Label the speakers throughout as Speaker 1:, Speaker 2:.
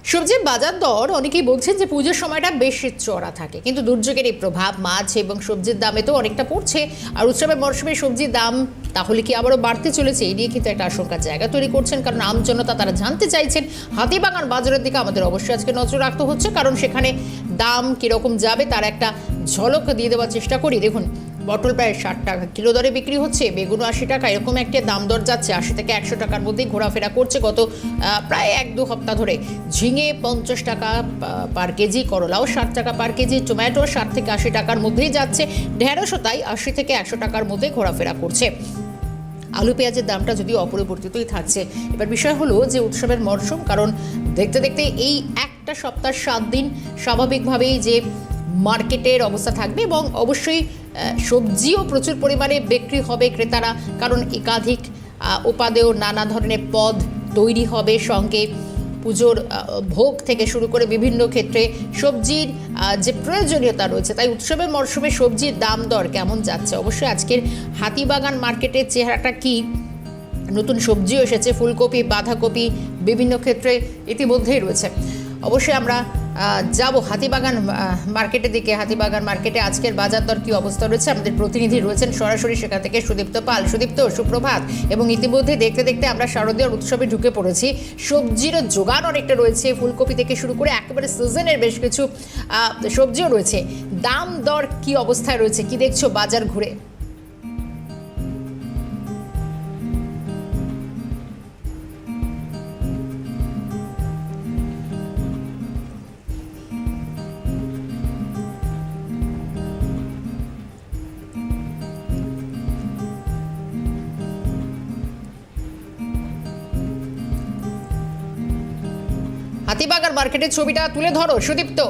Speaker 1: সবজির বাজার দর অনেকেই বলছেন যে পুজোর সময়টা বেশ চড়া থাকে, কিন্তু দুর্যোগের এই প্রভাব মাছ এবং সবজির দামে তো অনেকটা পড়ছে। আর উৎসবের মরশুমে সবজির দাম তাহলে কি আবারও বাড়তে চলেছে, এই নিয়ে কিন্তু একটা আশঙ্কার জায়গা তৈরি করছেন। কারণ আমজনতা তারা জানতে চাইছেন হাতিবাগান বাজারের দিকে আমাদের অবশ্যই আজকে নজর রাখতে হচ্ছে, কারণ সেখানে দাম কীরকম যাবে তার একটা ঝলক দিয়ে দেওয়ার চেষ্টা করি। দেখুন, পটল প্রায় 60 টাকা কিলো দরে বিক্রি হচ্ছে, বেগুন 80 টাকা, এরকম একটা দাম দর যাচ্ছে। 80 থেকে 100 টাকার মধ্যেই ঘোরাফেরা করছে গত প্রায় 1-2 সপ্তাহ ধরে। ঝিঙে 50 টাকা পার কেজি, করলাও 60 টাকা পার কেজি, টমেটো 60 থেকে 80 টাকার মধ্যেই যাচ্ছে, ঢেঁড়শও তাই 80 থেকে 100 টাকার মধ্যে ঘোরাফেরা করছে। আলু পেঁয়াজের দামটা যদিও অপরিবর্তিতই থাকছে। এবার বিষয় হলো যে উৎসবের মরশুম, কারণ দেখতে দেখতে এই একটা সপ্তাহ 7 দিন স্বাভাবিকভাবেই যে মার্কেটের অবস্থা থাকবে, এবং অবশ্যই সবজিও প্রচুর পরিমাণে বিক্রি হবে ক্রেতারা, কারণ একাধিক উপাদেয় নানা ধরনের পদ তৈরি হবে, সঙ্গে পুজোর ভোগ থেকে শুরু করে বিভিন্ন ক্ষেত্রে সবজির যে প্রয়োজনীয়তা রয়েছে। তাই উৎসবের মরশুমে সবজির দাম দর কেমন যাচ্ছে, অবশ্যই আজকের হাতিবাগান মার্কেটের চেহারাটা কি, নতুন সবজিও এসেছে, ফুলকপি, বাঁধাকপি বিভিন্ন ক্ষেত্রে ইতিমধ্যেই রয়েছে। অবশ্যই আমরা যাব হাতিবাগান মার্কেটের দিকে। হাতিবাগান মার্কেটে আজকের বাজার দর কী অবস্থা রয়েছে, আমাদের প্রতিনিধি রয়েছেন সরাসরি সেখান থেকে সুদীপ্ত পাল। সুদীপ্ত, সুপ্রভাত। এবং ইতিমধ্যে দেখতে দেখতে আমরা শারদীয় উৎসবে ঢুকে পড়েছি, সবজির যোগান অনেকটা রয়েছে, ফুলকপি থেকে শুরু করে একেবারে সিজনের বেশ কিছু সবজিও রয়েছে। দাম দর কী অবস্থায় রয়েছে, কি দেখছো বাজার ঘুরে? হাতিবাগান মার্কেটের ছবিটা তুলে ধরো সুদীপ্ত।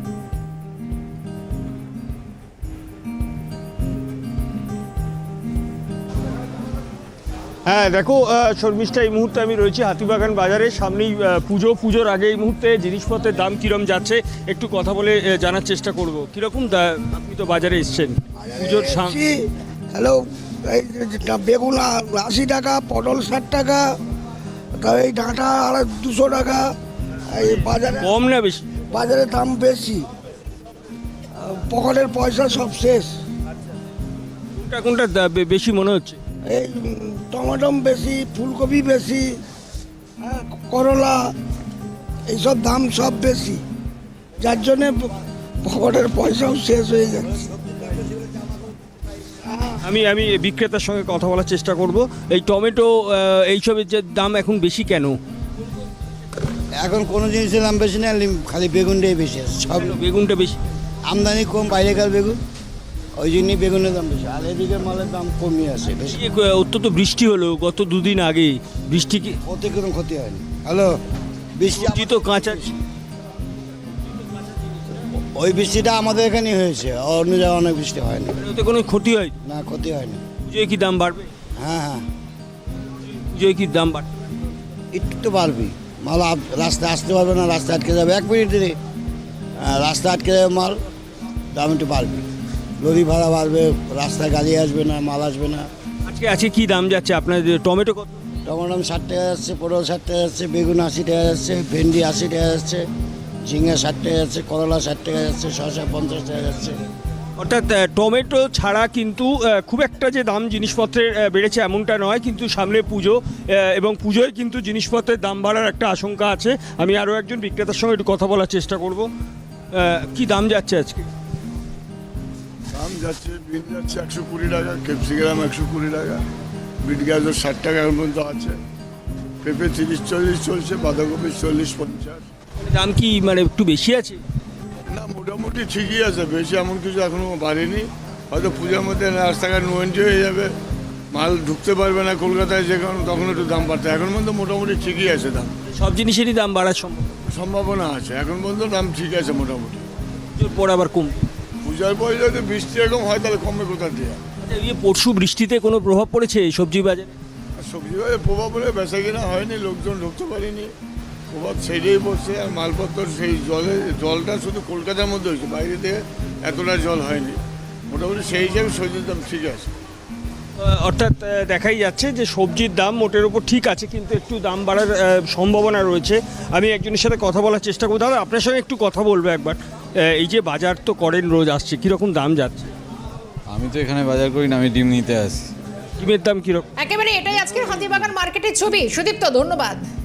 Speaker 2: হ্যাঁ দেখো শর্মিষ্ঠা, এই মুহূর্তে আমি রয়েছি হাতিবাগান বাজারে। সামনেই পুজোর আগে এই মুহূর্তে জিনিসপত্রের দাম কীরকম যাচ্ছে একটু কথা বলে জানার চেষ্টা করব। কীরকম আপনি তো বাজারে এসছেন পুজোর
Speaker 3: হ্যালো, এই বেগুন 80 টাকা, পটল 60 টাকা, এই ডাঁটা 200 টাকা। এই বাজারে
Speaker 2: কম না বেশি?
Speaker 3: বাজারে দাম বেশি, পকেটের পয়সা সব শেষ।
Speaker 2: কোনটা কোনটা বেশি মনে হচ্ছে?
Speaker 3: এই টমেটো বেশি, ফুলকপি বেশি, করলা, এইসব দাম সব বেশি, যার জন্যে পকেটের পয়সাও শেষ হয়ে যাচ্ছে।
Speaker 2: আমি বিক্রেতার সঙ্গে কথা বলার চেষ্টা করব। এই টমেটো এইসবের যে দাম এখন বেশি কেন?
Speaker 4: এখন কোনো জিনিসের দাম বেশি না, খালি বেগুনটাই বেশি আছে। সব
Speaker 2: বেগুনটা বেশি,
Speaker 4: আমদানি কম, বাইরেকার বেগুন, ওই জন্যই বেগুনের দাম বেশি। আর এদিকে মালের দাম কমই আছে বেশি।
Speaker 2: অত্যন্ত বৃষ্টি হলো গত দুদিন আগে, বৃষ্টি কি
Speaker 4: ক্ষতি কোনো ক্ষতি হয়নি? হ্যালো, বৃষ্টি
Speaker 2: তো কাঁচা,
Speaker 4: ওই বৃষ্টিটা আমাদের এখানেই হয়েছে, অন্য জায়গায় অনেক বৃষ্টি হয়নি।
Speaker 2: ওতে কোনো ক্ষতি হয়
Speaker 4: না, ক্ষতি হয়নি।
Speaker 2: পুজোয় কি দাম বাড়বে?
Speaker 4: হ্যাঁ হ্যাঁ,
Speaker 2: পুজোয় কি দাম বাড়বে?
Speaker 4: একটু তো বাড়বি। মাল রাস্তায় আসতে পারবে না, রাস্তা আটকে যাবে 1 মিনিট দিলে, রাস্তা আটকে যাবে, মাল দাম একটু বাড়বে। লরি ভাড়া বাড়বে, রাস্তায় গাড়ি আসবে না, মাল আসবে না।
Speaker 2: আজকে কি দাম যাচ্ছে আপনার? টমেটো কত?
Speaker 4: টমেটো 60 টাকা যাচ্ছে, পটল 60 টাকা যাচ্ছে, বেগুন 80 টাকা যাচ্ছে, ভেন্ডি 80 টাকা যাচ্ছে, ঝিঙে 60 টাকা যাচ্ছে, করলা 60 টাকা যাচ্ছে, শসা 50 টাকা যাচ্ছে।
Speaker 2: অর্থাৎ টমেটো ছাড়া কিন্তু খুব একটা যে দাম জিনিসপত্রের বেড়েছে এমনটা নয়, কিন্তু সামনে পুজো এবং পুজোয় কিন্তু জিনিসপত্রের দাম বাড়ার একটা আশঙ্কা আছে। আমি আরও একজন বিক্রেতার সঙ্গে একটু কথা বলার চেষ্টা করব। কি দাম যাচ্ছে আজকে?
Speaker 5: দাম যাচ্ছে, বিন যাচ্ছে 120 টাকা, ক্যাপসিকাম 120 টাকা, বিট গাজর 60 টাকা এখন পর্যন্ত আছে, পেঁপে 30-40 চলছে, বাঁধাকপি 40-50।
Speaker 2: দাম কি মানে একটু বেশি আছে?
Speaker 5: না, মোটামুটি ঠিকই আছে, বেশি এমন কিছু এখনও বাড়েনি। হয়তো পূজার মধ্যে রাস্তাঘাট নোয়েন্টি হয়ে যাবে, মাল ঢুকতে পারবে না কলকাতায়, যেখানে তখন একটু দাম বাড়তে। এখন পর্যন্ত মোটামুটি ঠিকই আছে দাম।
Speaker 2: সব জিনিসেরই দাম বাড়ার
Speaker 5: সম্ভাবনা আছে, এখন পর্যন্ত দাম ঠিক আছে মোটামুটি।
Speaker 2: পুজোর পর আবার কম?
Speaker 5: পূজার পরে যদি বৃষ্টি এরকম হয় তাহলে কমবে কোথা দিয়ে?
Speaker 2: পরশু বৃষ্টিতে কোনো প্রভাব পড়েছে সবজি বাজারে?
Speaker 5: সবজি বাজারে প্রভাব পড়ে বেচা কিনা হয়নি, লোকজন ঢুকতে পারেনি, প্রভাব সেটাই পড়ছে। আর মালপত্র সেই জলটা শুধু কলকাতার মধ্যে হয়েছে, বাইরে থেকে এতটা জল হয়নি। মোটামুটি সেই হিসাবে সবজির দাম ঠিক আছে।
Speaker 2: অর্থাৎ দেখাই যাচ্ছে যে সবজির দাম মোটের উপর ঠিক আছে, কিন্তু একটু দাম বাড়ার সম্ভাবনা রয়েছে। আমি একজনের সাথে কথা বলার চেষ্টা করবো। দাদা, আপনার সঙ্গে একটু কথা বলবো একবার। এই যে বাজার তো করেন, রোজ আসছে, কীরকম দাম যাচ্ছে?
Speaker 6: আমি তো এখানে বাজার করি না, আমি ডিম নিতে আসি।
Speaker 2: ডিমের দাম কীরকম?
Speaker 1: একেবারে এটাই আজকের হাতিবাগান মার্কেটের ছবি। সুদীপ্ত, ধন্যবাদ।